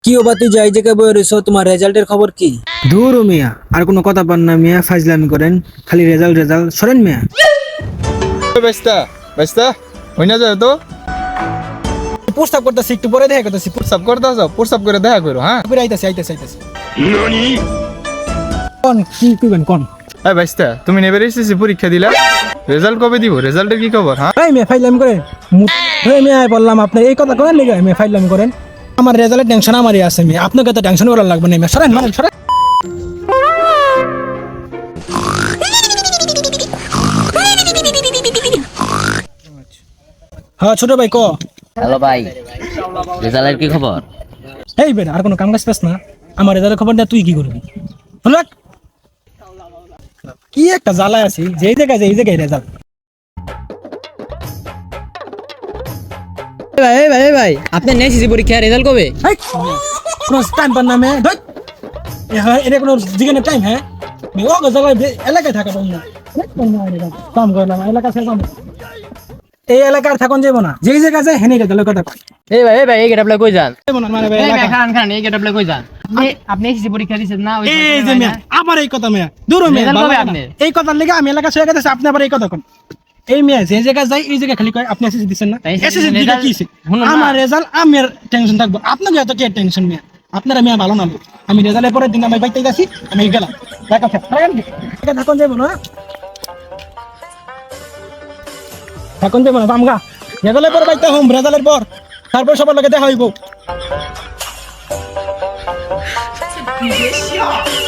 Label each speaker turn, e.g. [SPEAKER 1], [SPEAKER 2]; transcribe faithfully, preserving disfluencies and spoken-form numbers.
[SPEAKER 1] কি ও বাতি যাই জায়গায় বয়ে রয়েছো, তোমার রেজাল্টের খবর কি?
[SPEAKER 2] দূর ও মিয়া, আর কোনো কথা পান না মিয়া, ফাজলামি করেন খালি রেজাল্ট রেজাল্ট সরেন মিয়া।
[SPEAKER 3] বেস্তা বেস্তা হই না যায় তো
[SPEAKER 2] প্রস্তাব করতেছি, একটু পরে দেখা করতেছি,
[SPEAKER 3] প্রস্তাব করতে যাও, প্রস্তাব করে দেখা করো। হ্যাঁ
[SPEAKER 2] পরে আইতাছি আইতাছি আইতাছি। কোন কি কইবেন কোন?
[SPEAKER 3] এই বেস্তা, তুমি নেবার এসেছি পরীক্ষা দিলা, রেজাল্ট কবে দিব? রেজাল্টের কি খবর? হ্যাঁ
[SPEAKER 2] এই মিয়া ফাইলামি করেন, এই মিয়া বললাম আপনি এই কথা করেন নাকি? মিয়া ফাইলামি করেন, আমার রেজাল্টের টেনশন আমারই আছে মিয়া, আপনাকে তো টেনশন করার লাগবে না মিয়া, সরেন মানে সরেন। হ্যাঁ ছোট ভাই ক।
[SPEAKER 4] হ্যালো ভাই, রেজাল্টের কি খবর?
[SPEAKER 2] এই বেটা আর কোনো কাম কাজ পাস না, আমার রেজাল্টের খবর দেয়া তুই কি করবি? হলো কি একটা জ্বালায় আছি, যেই জায়গায় যে এই জায়গায় রেজাল্ট।
[SPEAKER 5] ভাই এই ভাই এই ভাই আপনার নেক্সট পরীক্ষা রেজাল্ট কবে?
[SPEAKER 2] এই কোনো টাইম পান না মে ধর, হ্যাঁ এটা কোনো জিগানের টাইম? হ্যাঁ মে ও জায়গায় এলাকায় থাকা পাবো না, কাম করলাম এলাকা ছেড়ে কাম, এই এলাকার থাকুন যাবো না, যেই জায়গায় যায় হেনে রেজাল্টের কথা কয়
[SPEAKER 5] এই ভাই এই ভাই এই গেটআপলে কই যান?
[SPEAKER 2] যাবো না মানে ভাই
[SPEAKER 5] এই ভাই
[SPEAKER 2] এলাকা।
[SPEAKER 5] খান খান এই গেটআপলে কই যান? আপনি আপনি এসএসসি পরীক্ষা দিছেন না? ওই
[SPEAKER 2] এই যে মেয়ে আবার এই কথা মেয়ে দূর মেয়ে
[SPEAKER 5] রেজাল্ট
[SPEAKER 2] ভালো
[SPEAKER 5] কবে
[SPEAKER 2] লাগে না।
[SPEAKER 5] আপনার?
[SPEAKER 2] এই কথার লেগে আমি এলাকা ছেড়ে গেছে, আপনি আবার এই কথা কোন? এই মেয়ে যে জায়গায় যাই এই জায়গায় খালি কয় আপনি এসএসসি দিচ্ছেন না,
[SPEAKER 5] তাই
[SPEAKER 2] এসএসসি দিলে
[SPEAKER 5] রেজাল্ট-
[SPEAKER 2] কি হইছে?
[SPEAKER 5] শুনুন না।
[SPEAKER 2] আমার রেজাল্ট আমি আর টেনশন থাকবো, আপনাকে এত কি টেনশন মেয়ে? আপনারা মেয়ে ভালো না লোক। আমি রেজাল্টের পরের দিন আমি বাইতে গেছি, আমি গেলাম দেখা খেয়ে থাকুন যাবো না, থাকুন যাবো না আমগা রেজাল্টের পর বাইতে হোম, রেজাল্টের পর তারপর সবার লগে দেখা হইব।